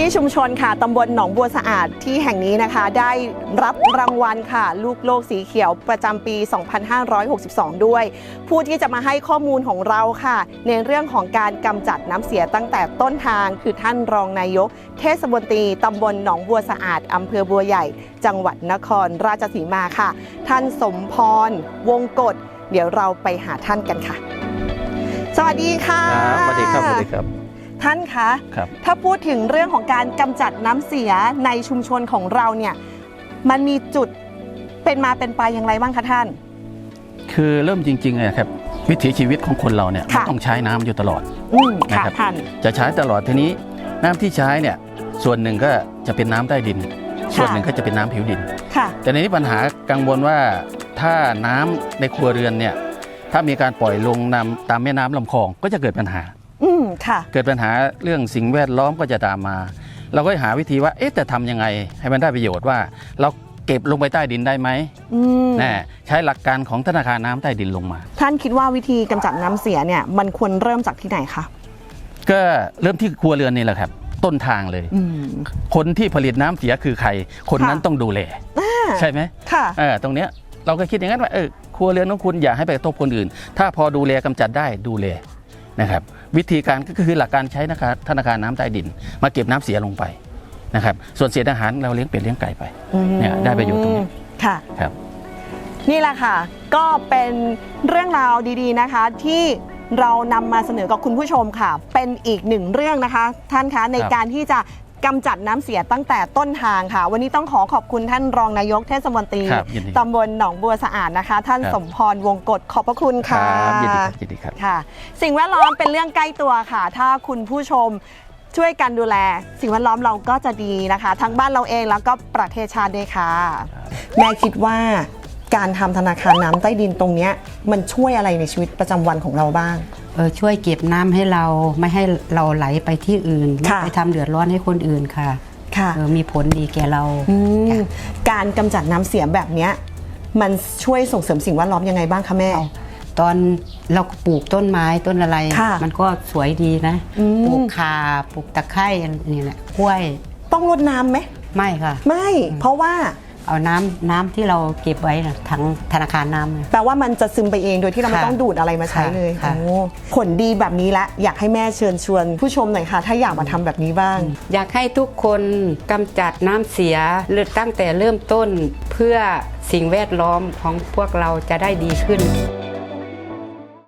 ชุมชนค่ะตำบลหนองบัวสะอาดที่แห่งนี้นะคะได้รับรางวัลค่ะลูกโลกสีเขียวประจำปี 2562 ด้วยผู้ที่จะมาให้ข้อมูลของเราค่ะในเรื่องของการกำจัดน้ำเสียตั้งแต่ต้นทางคือท่านรองนายกเทศมนตรีตำบลหนองบัวสะอาดอำเภอบัวใหญ่จังหวัดนครราชสีมาค่ะท่านสมพรวงกฎเดี๋ยวเราไปหาท่านกันค่ะสวัสดีค่ะสวัสดีครับสวัสดีครับท่านคะถ้าพูดถึงเรื่องของการกำจัดน้ำเสียในชุมชนของเราเนี่ยมันมีจุดเป็นมาเป็นไปอย่างไรบ้างคะท่านคือเริ่มจริงๆนะครับวิถีชีวิตของคนเราเนี่ยต้องใช้น้ำอยู่ตลอดนะครับจะใช้ตลอดทีนี้น้ำที่ใช้เนี่ยส่วนหนึ่งก็จะเป็นน้ำใต้ดินส่วนหนึ่งก็จะเป็นน้ำผิวดินแต่ในนี้ปัญหากังวลว่าถ้าน้ำในครัวเรือนเนี่ยถ้ามีการปล่อยลงน้ำตามแม่น้ำลำคลองก็จะเกิดปัญหาเกิดปัญหาเรื่องสิ่งแวดล้อมก็จะตามมาเราก็หาวิธีว่าแต่ทำยังไงให้มันได้ประโยชน์ว่าเราเก็บลงไปใต้ดินได้ไหมใช้หลักการของธนาคารน้ำใต้ดินลงมาท่านคิดว่าวิธีกำจัดน้ำเสียเนี่ยมันควรเริ่มจากที่ไหนคะก็เริ่มที่ครัวเรือนนี่แหละครับต้นทางเลยคนที่ผลิตน้ำเสียคือใครคนนั้นต้องดูแลใช่ไหมตรงเนี้ยเราก็คิดอย่างนั้นว่าครัวเรือนของคุณอย่าให้ไปกระทบคนอื่นถ้าพอดูแลกำจัดได้ดูแลนะครับวิธีการก็คือหลักการใช้ธนาคารน้ำใต้ดินมาเก็บน้ำเสียลงไปนะครับส่วนเศษอาหารเราเลี้ยงเป็ดเลี้ยงไก่ไปเนี่ยได้ประโยชน์ตรงนี้ค่ะครับนี่แหละค่ะก็เป็นเรื่องราวดีๆนะคะที่เรานำมาเสนอกับคุณผู้ชมค่ะเป็นอีกหนึ่งเรื่องนะคะท่านคะในการที่จะกำจัดน้ำเสียตั้งแต่ต้นทางค่ะวันนี้ต้องขอบคุณท่านรองนายกเทศมนตรีตำบลหนองบัวสะอาดนะคะท่านสมพรวงกฎขอบพระคุณค่ะยินดีครับค่ะสิ่งแวดล้อมเป็นเรื่องใกล้ตัวค่ะถ้าคุณผู้ชมช่วยกันดูแลสิ่งแวดล้อมเราก็จะดีนะคะทั้งบ้านเราเองแล้วก็ประเทศชาติด้วยค่ะแม่คิดว่าการทำธนาคารน้ำใต้ดินตรงนี้มันช่วยอะไรในชีวิตประจำวันของเราบ้างช่วยเก็บน้ำให้เราไม่ให้เราไหลไปที่อื่นไม่ไปทำเดือดร้อนให้คนอื่นค่ะมีผลดีแก่เราการกำจัดน้ำเสียแบบนี้มันช่วยส่งเสริมสิ่งแวดล้อมยังไงบ้างคะแม่ตอนเราปลูกต้นไม้ต้นอะไรมันก็สวยดีนะปลูกข่าปลูกตะไคร้นี่แหละกล้วยต้องรดน้ำไหมไม่ค่ะไม่เพราะว่าเอาน้ำที่เราเก็บไว้นะทั้งธนาคารน้ำแปลว่ามันจะซึมไปเองโดยที่เราไม่ต้องดูดอะไรมาใช้เลยผลดีแบบนี้ละอยากให้แม่เชิญชวนผู้ชมหน่อยค่ะถ้าอยากมาทำแบบนี้บ้างอยากให้ทุกคนกำจัดน้ำเสียตั้งแต่เริ่มต้นเพื่อสิ่งแวดล้อมของพวกเราจะได้ดีขึ้น